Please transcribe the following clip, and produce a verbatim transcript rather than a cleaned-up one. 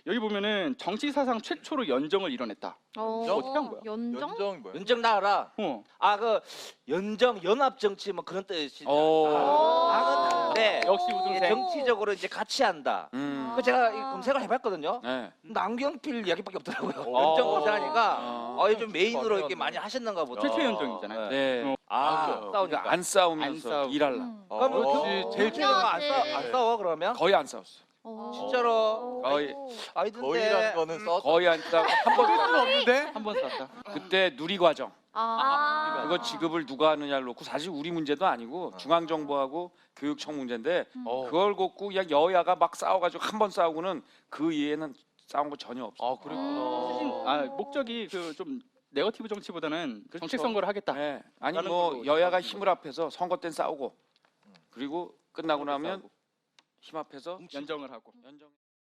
여기 보면은 정치 사상 최초로 연정을 이뤄냈다. 어, 어떻게 한 거야? 연정? 연정이 뭐야? 연정 나와라. 어. 아 그 연정 연합 정치 뭐 그런 뜻이. 오. 아, 다른데 역시 우등생. 정치적으로 이제 같이 한다. 음. 그 제가 이 검색을 해봤거든요. 네. 남경필 이야기밖에 없더라고요. 어. 연정 검색하니까 어. 어, 요즘 메인으로 이렇게 맞네, 많이 맞네. 하셨는가 보다. 최초 연정이잖아요. 네. 어. 아, 그러니까 싸우니까. 그러니까 안 싸우면서 안 싸우고. 일할라. 음. 그럼 어. 그 제일 최근가 안, 싸, 안 싸워 그러면? 거의 안 싸웠어. 어. 진짜로? 거의 아이던데. 거의라는 거는 써. 거의 안 싸우고 한번 수는 없는데? 한 번 쐈다. 그때 누리과정 아. 그거 지급을 누가 하느냐를 놓고 사실 우리 문제도 아니고 중앙정부하고 교육청 문제인데 어. 그걸 갖고 그냥 여야가 막 싸워가지고 한 번 싸우고는 그 이해는 싸운 거 전혀 없어. 아 그랬구나. 아, 목적이 그 좀 네거티브 정치보다는 그렇죠. 정책 선거를 하겠다. 네. 아니 라는 뭐 걸로 여야가 생각하는 힘을 합해서 선거 땐 싸우고 그리고 끝나고 나면 힘 합해서 연정을 하고. 연정.